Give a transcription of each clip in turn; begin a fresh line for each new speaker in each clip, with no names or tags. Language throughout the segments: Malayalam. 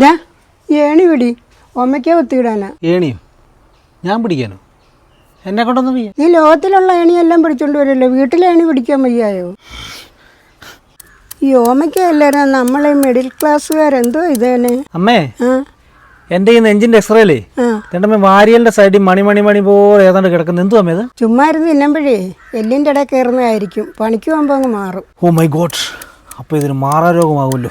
ഞാൻ ഏണി പിടി ഒമ്മയ്ക്ക ഒത്തിയിടാനാ.
ഏണിയോ? ഞാൻ പിടിക്കാനോ? എന്നെ കൊണ്ടൊന്നും വയ്യ.
നീ ലോകത്തിലുള്ള ഏണിയെല്ലാം പിടിച്ചോണ്ട് വരല്ലോ, വീട്ടിലെ ഏണി പിടിക്കാൻ വയ്യായോ? ഈ ഓമയ്ക്കല്ലാരും നമ്മളെ മിഡിൽ ക്ലാസ്സുകാരെന്തോ ഇതേനെ.
അമ്മേ, എൻ്റെ ഈ നെഞ്ചിൻ്റെ എക്സ്റേയിലേ രണ്ടമ്മ വാരിയലിൻ്റെ സൈഡിൽ മണി പോലെ ഏതാണ്ട് കിടക്കുന്നത്. എന്തു അമ്മേ ഇത്?
ചുമ്മാ ഇരുന്ന് തിന്നുമ്പോഴേ എല്ലിൻ്റെ ഇടയിൽ കയറുന്നതായിരിക്കും, പണിക്ക് പോകുമ്പോൾ അങ്ങ് മാറും.
ഓ മൈ ഗോഡ്, അപ്പോൾ ഇതൊരു മാറാരോഗമാവുമല്ലോ.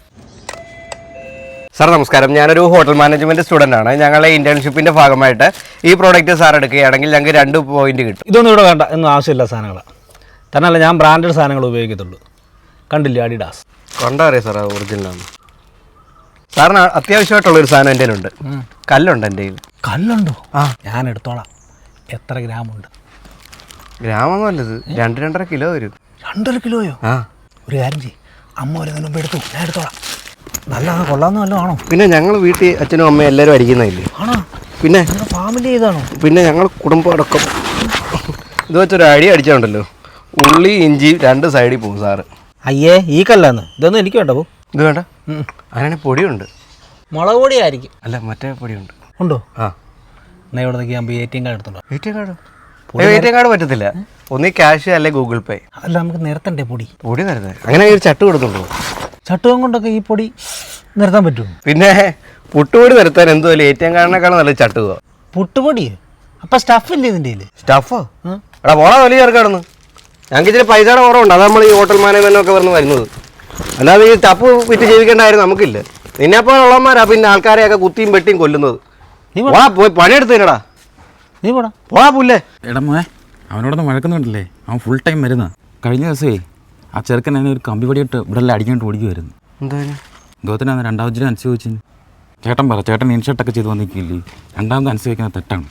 സാർ നമസ്കാരം, ഞാനൊരു ഹോട്ടൽ മാനേജ്മെൻറ്റ് സ്റ്റുഡൻ്റ് ആണ്. ഞങ്ങളെ ഇൻറ്റേൺഷിപ്പിൻ്റെ ഭാഗമായിട്ട് ഈ പ്രോഡക്റ്റ് സാർ എടുക്കുകയാണെങ്കിൽ ഞങ്ങൾക്ക് 2 പോയിന്റ് കിട്ടും.
ഇതൊന്നും ഇവിടെ വേണ്ട, ഒന്നും ആവശ്യമില്ല സാധനങ്ങളാണ്. തന്നെയല്ല, ഞാൻ ബ്രാൻഡഡ് സാധനങ്ങൾ ഉപയോഗിക്കത്തുള്ളൂ. കണ്ടില്ലേ അഡിഡാസ്?
കണ്ടാ അറിയാം സാർ, ഒറിജിനലാണ്. സാറിന് അത്യാവശ്യമായിട്ടുള്ളൊരു സാധനം എൻ്റെ കയ്യിലുണ്ട്. കല്ലുണ്ട് എൻ്റെ കയ്യിൽ.
കല്ലുണ്ടോ? ഞാൻ എടുത്തോളാം. എത്ര ഗ്രാമുണ്ട്?
ഗ്രാമൊന്നും അല്ലത്, 2-2.5 കിലോ വരും.
2.5 കിലോയോ? ഒരു കാര്യം ചെയ്യും, അമ്മ ഒരു മുമ്പ് എടുത്തു, ഞാൻ എടുത്തോളാം. നല്ലതാണ്, കൊള്ളാമെന്ന് വല്ലതും ആണോ?
പിന്നെ ഞങ്ങൾ വീട്ടിൽ അച്ഛനും അമ്മയും എല്ലാവരും അടിക്കുന്നില്ലേ?
ആണോ?
പിന്നെ
ഫാമിലി ചെയ്താണോ?
പിന്നെ ഞങ്ങൾ കുടുംബം അടക്കം ഇത് വെച്ചൊരു അടി അടിച്ചുണ്ടല്ലോ, ഉള്ളി ഇഞ്ചി 2 സൈഡിൽ പോകും സാറ്.
അയ്യേ, ഈ കല്ലാന്ന്. ഇതൊന്നും എനിക്ക് വേണ്ട. പോ,
ഇത് വേണ്ട. അതിനാണെങ്കിൽ പൊടിയുണ്ട്.
മുളക് പൊടിയായിരിക്കും.
അല്ല, മറ്റേ പൊടിയുണ്ട്.
ഉണ്ടോ?
ആ,
എന്നാൽ ഇവിടെ നിൽക്കുമ്പോൾ ATM കാർഡ് എടുത്തുണ്ടോ?
ATM കാർഡ് പറ്റത്തില്ല. ഒന്നീ ക്യാഷ് അല്ലെ ഗൂഗിൾ പേ.
അതല്ല, നമുക്ക് നിരത്തണ്ടേ പൊടി?
പൊടി നിരത്തേ? അങ്ങനെ ഒരു ചട്ട് കൊടുത്തുണ്ടോ?
ചട്ടുകം കൊണ്ടൊക്കെ ഈ പൊടി നിരത്താൻ പറ്റുമോ?
പിന്നെ പുട്ടുപൊടി നിരത്താൻ എന്തുമല്ലേ ATM കാർഡിനേക്കാളും നല്ല ചട്ടുക.
പുട്ടുപൊടി? അപ്പം സ്റ്റഫില്ലേ ഇതിൻ്റെ കയ്യിൽ?
സ്റ്റഫോ? എടാ പോളാ വലിയ ചേർക്കാണെന്ന്. ഞങ്ങൾക്ക് ഇച്ചിരി പൈസയുടെ കുറവുണ്ട്, അതാണ് നമ്മൾ ഈ ഹോട്ടൽ മാനേജ്മെൻറ്റൊക്കെ വരുന്നത്. അല്ലാതെ ഈ ടപ്പ് വിറ്റ് ജീവിക്കേണ്ടായിരുന്നു നമുക്കില്ല. നിന്നെപ്പോൾ ഉള്ളവന്മാരാ പിന്നെ ആൾക്കാരെയൊക്കെ കുത്തിയും വെട്ടിയും കൊല്ലുന്നത്. നീ പോയി പണിയെടുത്തേനടാ.
നീ പോടാ,
പോടാ പുല്ലേ.
എടാ മോനെ, അവനോടൊന്ന് വഴക്കുന്നുണ്ടല്ലേ? അവൻ ഫുൾ ടൈം വരുന്ന. കഴിഞ്ഞ ദിവസമേ ആ ചെറുക്കൻ എന്നെ ഒരു കമ്പി പടിയിട്ട് ഇവിടെ എല്ലാം അടിക്കാണ്ട് ഓടിക്കുമായിരുന്നു.
എന്തായാലും
ഇദ്ദേഹത്തിനാണ് 2ാമത് അനുസരിച്ചു. ചേട്ടൻ പറ, ചേട്ടൻ ഇൻഷർട്ടൊക്കെ ചെയ്ത് വന്നിരിക്കില്ലേ? 2ാമത് അനുസരിക്കുന്നത് തെറ്റാണ്.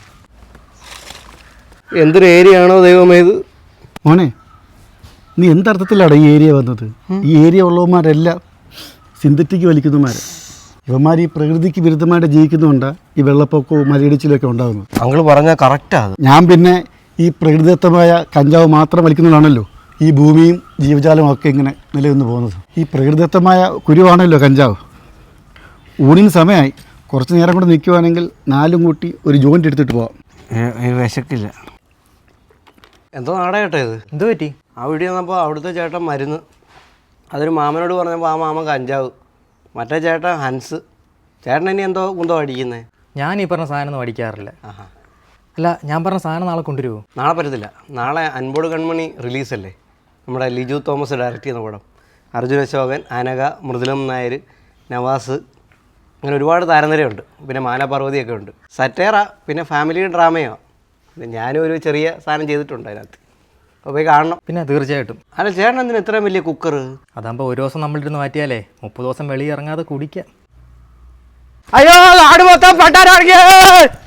എന്തൊരു ഏരിയ ആണോ ദൈവമേ ഇത്.
മോനെ, നീ എന്തർത്ഥത്തിലാണ് ഈ ഏരിയ വന്നത്? ഈ ഏരിയ ഉള്ളവന്മാരെല്ലാം സിന്തറ്റിക് വലിക്കുന്നവന്മാർ. ഇവന്മാർ ഈ പ്രകൃതിക്ക് വിരുദ്ധമായിട്ട് ജീവിക്കുന്നുണ്ട് ഈ വെള്ളപ്പൊക്കവും മലയിടിച്ചിലൊക്കെ ഉണ്ടാകുന്നത്.
അങ്കിൾ പറഞ്ഞാൽ കറക്റ്റാണ്.
ഞാൻ പിന്നെ ഈ പ്രകൃതിദത്തമായ കഞ്ചാവ് മാത്രം വലിക്കുന്നതാണല്ലോ ഈ ഭൂമിയും ജീവജാലവും ഒക്കെ ഇങ്ങനെ നിലനിന്ന് പോകുന്നത്. ഈ പ്രകൃതിദത്തമായ കുരുവാണല്ലോ കഞ്ചാവ്. ഊണിന് സമയമായി, കുറച്ച് നേരം കൂടെ നിൽക്കുവാണെങ്കിൽ 4 കൂട്ടി ഒരു ജോയിൻ്റ് എടുത്തിട്ട് പോവാം.
വിശക്കില്ല. എന്തോ നാടേ കേട്ടോ ഇത്. എന്ത് പറ്റി? ആ വീട്ടിൽ വന്നപ്പോൾ അവിടുത്തെ ചേട്ടൻ മരുന്ന്, അതൊരു മാമനോട് പറഞ്ഞപ്പോൾ ആ മാമൻ കഞ്ചാവ്, മറ്റേ ചേട്ടൻ ഹൻസ്. ചേട്ടൻ ഇനി എന്തോ അടിക്കുന്നത്?
ഞാൻ ഈ പറഞ്ഞ സാധനം ഒന്നും അടിക്കാറില്ല. അല്ല, ഞാൻ പറഞ്ഞ സാധനം നാളെ കൊണ്ടുവരുമോ?
നാളെ പറ്റത്തില്ല. നാളെ അൻപോട് കൺമണി റിലീസല്ലേ, നമ്മുടെ ലിജു തോമസ് ഡയറക്റ്റ് ചെയ്യുന്ന പടം. അർജുൻ അശോകൻ, അനഘ, മൃദുലം നായർ, നവാസ്, അങ്ങനെ ഒരുപാട് താരനിരയുണ്ട്. പിന്നെ മാനപാർവതിയൊക്കെ ഉണ്ട്. സറ്റേറ, പിന്നെ ഫാമിലി ഡ്രാമയോ. പിന്നെ ഞാനും ഒരു ചെറിയ സാധനം ചെയ്തിട്ടുണ്ട് അതിനകത്ത്. അപ്പോൾ പോയി കാണണം.
പിന്നെ തീർച്ചയായിട്ടും.
അല്ല, ചേട്ടൻ എന്തിനാ ഇത്രയും വലിയ കുക്കർ?
അതാകുമ്പോൾ ഒരു ദിവസം നമ്മളിരുന്ന് മാറ്റിയാലേ 30 ദിവസം വെളിയിറങ്ങാതെ കുടിക്കാം.
അയ്യോ, നാട് മൊത്തം പണ്ടാരം.